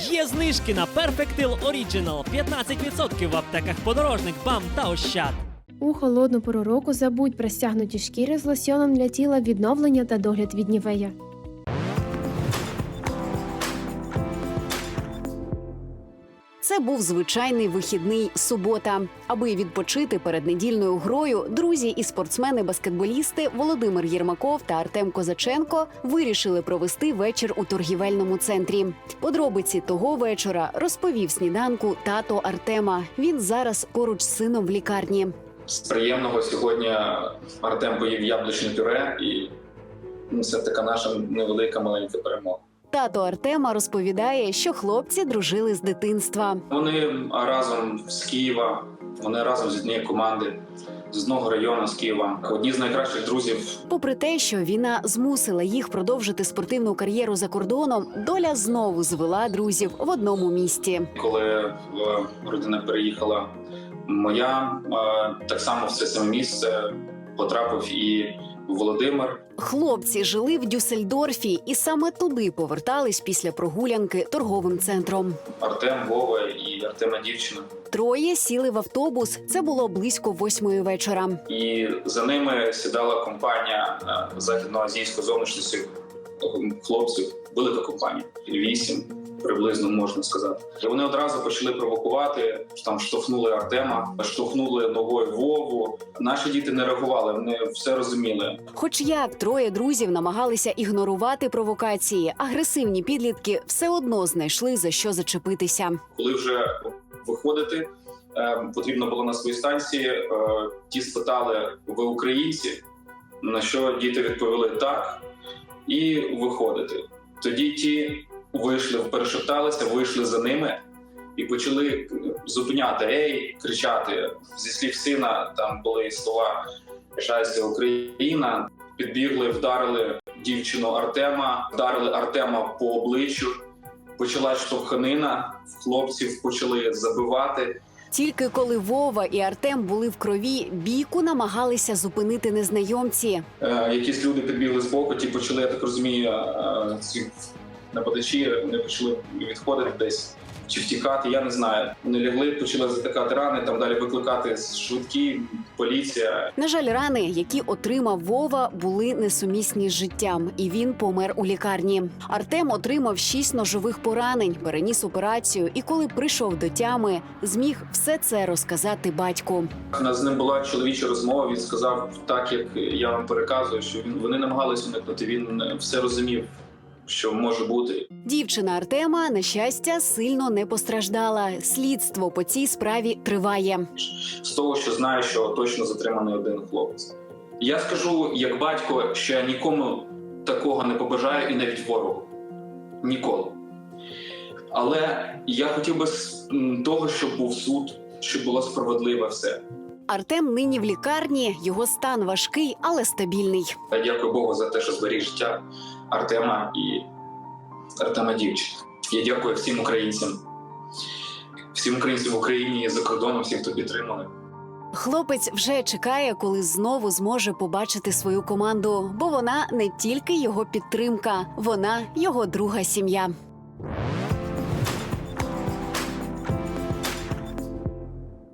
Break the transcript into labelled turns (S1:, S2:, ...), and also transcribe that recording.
S1: Є знижки на Perfectil Original 15% в аптеках Подорожник, БАМ та Ощад.
S2: У холодну пору року забудь про стягнуті шкіри з лосьоном для тіла, відновлення та догляд від Нівея.
S3: Це був звичайний вихідний субота. Аби відпочити перед недільною грою, друзі і спортсмени-баскетболісти Володимир Єрмаков та Артем Козаченко вирішили провести вечір у торгівельному центрі. Подробиці того вечора розповів сніданку тато Артема. Він зараз поруч з сином в лікарні.
S4: З приємного сьогодні Артем поїв яблучне пюре, і це така наша невелика маленька перемога.
S3: Тато Артема розповідає, що хлопці дружили з дитинства.
S4: Вони разом з Києва, вони разом з однієї команди, з одного району, з Києва. Одні з найкращих друзів.
S3: Попри те, що війна змусила їх продовжити спортивну кар'єру за кордоном, доля знову звела друзів в одному місті.
S4: Коли родина переїхала моя, так само в це саме місце потрапив і Володимир.
S3: Хлопці жили в Дюссельдорфі і саме туди повертались після прогулянки торговим центром.
S4: Артем, Вова і Артема дівчина.
S3: Троє сіли в автобус. Це було близько 8-ї вечора.
S4: І за ними сідала компанія західноазійської зовнішності хлопців, велика компанія, 8 приблизно, можна сказати. І вони одразу почали провокувати, там штовхнули Артема, штовхнули ногою Вову. Наші діти не реагували, вони все розуміли.
S3: Хоч як троє друзів намагалися ігнорувати провокації, агресивні підлітки все одно знайшли за що зачепитися.
S4: Коли вже виходити, потрібно було на своїй станції, ті спитали: ви українці? На що діти відповіли так, і виходити. Тоді ті вийшли, перешепталися, вийшли за ними і почали зупиняти, ей, кричати. Зі слів сина там були слова «Щастя, Україна». Підбігли, вдарили дівчину Артема, вдарили Артема по обличчю. Почалась штовханина, хлопців почали забивати.
S3: Тільки коли Вова і Артем були в крові, бійку намагалися зупинити незнайомці.
S4: Якісь люди підбігли збоку, ті почали, я так розумію, ці нападачі, вони почали відходити десь чи втікати, я не знаю. Вони лягли, почали затикати рани, там далі викликати швидкі, поліція.
S3: На жаль, рани, які отримав Вова, були несумісні з життям, і він помер у лікарні. Артем отримав 6 ножових поранень, переніс операцію, і коли прийшов до тями, зміг все це розказати батьку.
S4: У нас з ним була чоловіча розмова, він сказав так, як я вам переказую, що вони намагалися уникнути, він все розумів, що може бути.
S3: Дівчина Артема, на щастя, сильно не постраждала. Слідство по цій справі триває.
S4: З того, що знаю, що точно затриманий один хлопець. Я скажу, як батько, що я нікому такого не побажаю, і навіть ворогу. Ніколи. Але я хотів би того, щоб був суд, щоб було справедливе все.
S3: Артем нині в лікарні, його стан важкий, але стабільний.
S4: Я дякую Богу за те, що зберіг життя Артема і Артема дівчини. Я дякую всім українцям в Україні і за кордоном, всім, хто підтримали.
S3: Хлопець вже чекає, коли знову зможе побачити свою команду, бо вона не тільки його підтримка, вона його друга сім'я.